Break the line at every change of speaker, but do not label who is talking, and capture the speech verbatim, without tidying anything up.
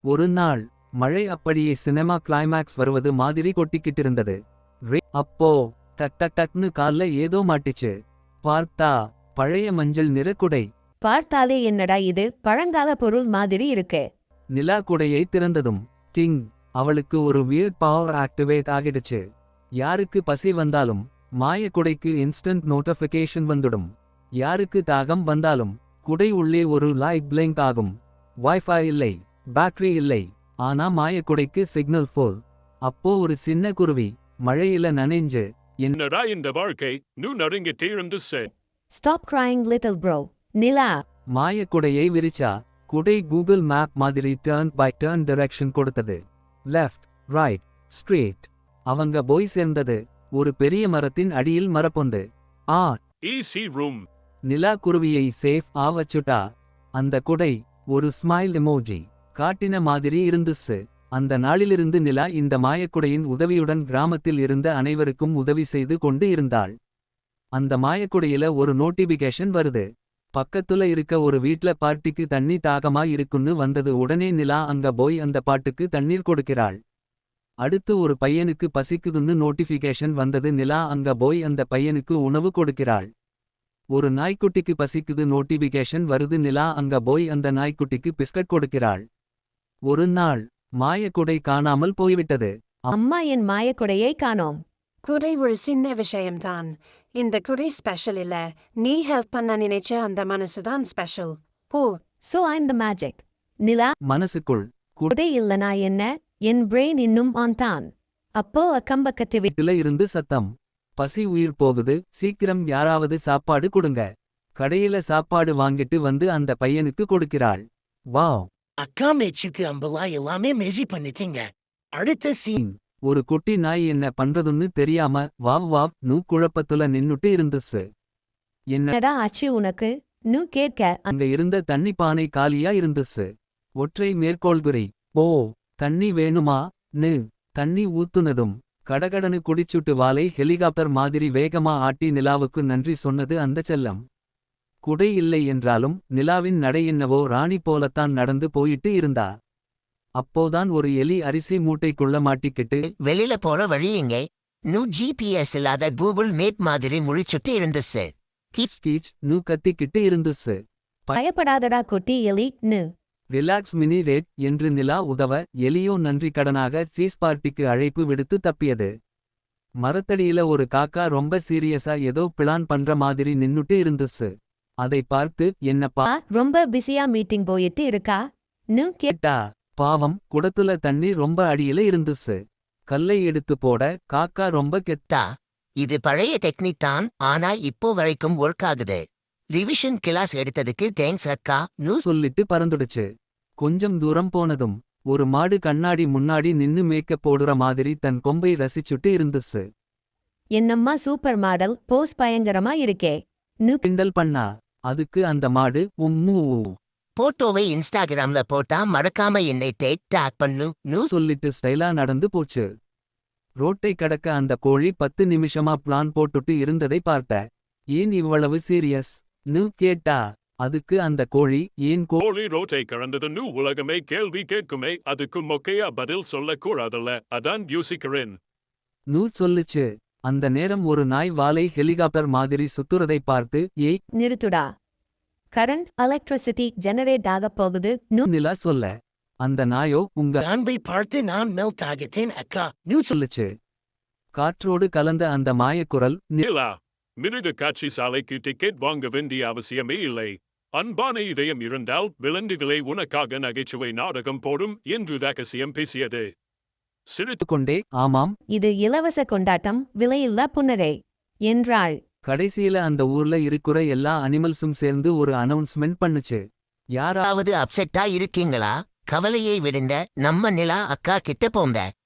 ஒரு நாள் மழை அப்படியே சினிமா கிளைமேக்ஸ் வருவது மாதிரி கொட்டிக்கிட்டிருந்தது. ரே அப்போ டக் டக் டக்னு கால்ல ஏதோ மாட்டிச்சு. பார்த்தா பழைய மஞ்சள் நிற குடை.
பார்த்தாலே என்னடா இது பழங்கால பொருள் மாதிரி இருக்கு.
நிலா குடையை திறந்ததும் டிங், அவளுக்கு ஒரு வியர்ட் பவர் ஆக்டிவேட் ஆகிடுச்சு. யாருக்கு பசி வந்தாலும் மாய குடைக்கு இன்ஸ்டன்ட் நோட்டிஃபிகேஷன் வந்துடும். யாருக்கு தாகம் வந்தாலும் குடை உள்ளே ஒரு லைட் பிளிங்க் ஆகும். வைஃபை இல்லை, பேட்டரி இல்லை, ஆனா மாயக்குடைக்கு சிக்னல் ஃபுல். அப்போ ஒரு சின்ன குருவி மழையில நனைஞ்சு,
என்னடா இந்த வாழ்க்கை, நூ நறுங்கிட்டே இருந்துச்சு.
Stop crying little bro. Nila
மாயக்குடையை விரிச்சா. குடை கூகுள் மேப் மாதிரி டர்ன் பை டர்ன் டைரக்ஷன் கொடுத்தது. Left, right, straight. அவங்க போய் சேர்ந்தது ஒரு பெரிய மரத்தின் அடியில் மரப்பொந்து. ஆ
ஈஸி ரூம்.
நிலா குருவியை சேஃப் ஆ வச்சுட்டா. அந்த குடை ஒரு ஸ்மைல் எமோஜி காட்டின மாதிரி இருந்துச்சு. அந்த நாளிலிருந்து நிலா இந்த மாயக்குடையின் உதவியுடன் கிராமத்தில் இருந்த அனைவருக்கும் உதவி செய்து கொண்டு இருந்தாள். அந்த மாயக்குடையில ஒரு நோட்டிபிகேஷன் வருது. பக்கத்துல இருக்க ஒரு வீட்ல பார்ட்டிக்கு தண்ணி தாகமா இருக்குன்னு வந்தது. உடனே நிலா அங்க போய் அந்த பாட்டுக்கு தண்ணீர் கொடுக்கிறாள். அடுத்து ஒரு பையனுக்கு பசிக்குதுன்னு நோட்டிபிகேஷன் வந்தது. நிலா அங்க போய் அந்த பையனுக்கு உணவு கொடுக்கிறாள். ஒரு நாய்க்குட்டிக்கு பசிக்குது நோட்டிபிகேஷன் வருது. நிலா அங்க போய் அந்த நாய்க்குட்டிக்கு பிஸ்கட் கொடுக்கிறாள். ஒரு நாள் மாயக்குடை காணாமல் போய்விட்டது.
அம்மா என் மாயக்குடையை காணோம்.
குடை ஒரு சின்ன விஷயம்தான். இந்த குடை ஸ்பெஷல் இல்ல. நீ ஹெல்ப் பண்ண நினைச்ச அந்த மனசுதான் ஸ்பெஷல். போ.
So I'm the magic. Nila
மனசுக்குள்
குடை இல்லனா என்ன, என் பிரெயின் இன்னும் ஆன் தான். அப்போ அக்கம்பக்கத்து
வீட்டுல இருந்து சத்தம். பசி உயிர் போகுது, சீக்கிரம் யாராவது சாப்பாடு கொடுங்க. கடையில சாப்பாடு வாங்கிட்டு வந்து அந்த பையனுக்கு கொடுக்கிறாள். வாவ்,
அக்கா மேட்சுக்கு அம்பலா எல்லாமே மெஜி பண்ணிட்டீங்க. அடுத்த சீன்.
ஒரு குட்டி நாய் என்ன பண்றதுன்னு தெரியாம வாவ் வாவ் நூ குழப்பத்துல நின்னுட்டு இருந்துச்சு.
என்னடா ஆச்சு உனக்கு நூ கேட்க.
அங்க இருந்த தண்ணி பானை காலியா இருந்துச்சு. ஒற்றை மேற்கோள்குறி. ஓ, தண்ணி வேணுமா நு. தண்ணி ஊத்துனதும் கடகடனு குடிச்சுட்டு வாலை ஹெலிகாப்டர் மாதிரி வேகமா ஆட்டி நிலாவுக்கு நன்றி சொன்னது அந்த செல்லம். குடை இல்லை என்றாலும் நிலாவின் நடை என்னவோ ராணி போலத்தான் நடந்து போயிட்டு இருந்தா. அப்போதான் ஒரு எலி அரிசி மூட்டைக்குள்ள மாட்டிக்கிட்டு
வெளியில போற வழி எங்க. நூ ஜிபிஎஸ் இல்லாத கூகுள் மேப் மாதிரி முழிச்சுட்டு இருந்துச்சு.
கீச் கீச் நூ கத்திக்கிட்டு இருந்துச்சு.
பயப்படாதடா குட்டி எலி நு.
ரிலாக்ஸ் மினி ரேட் என்று நிலா உதவ எலியோ நன்றி கடனாக சீஸ் பார்ட்டிக்கு அழைப்பு விடுத்து தப்பியது. மரத்தடியில ஒரு காக்கா ரொம்ப சீரியஸா ஏதோ பிளான் பண்ற மாதிரி நின்னுட்டு இருந்துச்சு. அதை பார்த்து என்னப்பா
ரொம்ப பிஸியா மீட்டிங் போயிட்டு இருக்கா நு கேட்டா.
பாவம், குடத்துல தண்ணி ரொம்ப அடியில இருந்துச்சு. கல்லை எடுத்து போட காக்கா ரொம்ப கெத்தா.
இது பழைய டெக்னிக் தான், ஆனா இப்போ வரைக்கும் ஒர்க் ஆகுது. ரிவிஷன் கிளாஸ் எடுத்ததுக்கு தேங்க்ஸ் அக்கா நூ
சொல்லிட்டு பறந்துடுச்சு. கொஞ்சம் தூரம் போனதும் ஒரு மாடு கண்ணாடி முன்னாடி நின்னு மேக்கப் போடுற மாதிரி தன் கொம்பை ரசிச்சுட்டு இருந்துச்சு.
என்னம்மா சூப்பர் மாடல் போஸ் பயங்கரமா இருக்கே நு
கிண்டல் பண்ணா. அதுக்கு அந்த மாடு உம்மூ
போட்டோவை இன்ஸ்டாகிராம்ல போட்டா மறக்காம என்னை டேக் டாக் பண்ணு நூ
சொல்லிட்டு ஸ்டைலா நடந்து போச்சு. ரோட்டை கடக்க அந்த கோழி பத்து நிமிஷமா பிளான் போட்டுட்டு இருந்ததை பார்த்த. ஏன் இவ்வளவு சீரியஸ் நு கேட்டா. அதுக்கு அந்த கோழி ஏன்
கோழி ரோட்டை கடந்தது நூ உலகமே கேள்வி கேட்குமே, அதுக்கு மொக்கையா பதில் சொல்லக்கூடாதுல்ல, அதான் யோசிக்கிறேன்
நூ சொல்லுச்சு. அந்த நேரம் ஒரு நாய் வாலை ஹெலிகாப்டர் மாதிரி சுத்துறதை பார்த்து ஏய்
நிறுத்துடா, கரண்ட் எலக்ட்ரிசிட்டி ஜெனரேட் ஆக போகுது நு
நிலா சொல்ல. அந்த நாயோ உங்க
அன்பை பார்த்து நான் மெல்ட் ஆகிட்டேன் அக்கா நூ
சொல்லுச்சு. காற்றோடு கலந்த அந்த மாயக்குரல்
நிலா, மிருக காட்சி சாலைக்கு டிக்கெட் வாங்க வேண்டிய அவசியமே இல்லை. அன்பான இதயம் இருந்தால் விலங்குகளை உனக்காக நகைச்சுவை நாடகம் போடும் என்று ரகசியம் பேசியது. சிரித்து
கொண்டே ஆமாம்,
இது இலவச கொண்டாட்டம், விலையில்லா புன்னகை என்றாள்.
கடைசியில அந்த ஊர்ல இருக்கிற எல்லா அனிமல்ஸும் சேர்ந்து ஒரு அனௌன்ஸ்மெண்ட் பண்ணுச்சு. யாரா
யாராவது அப்செட்டா இருக்கீங்களா? கவலையை விடுங்க, நம்ம நிலா அக்கா கிட்ட போங்க.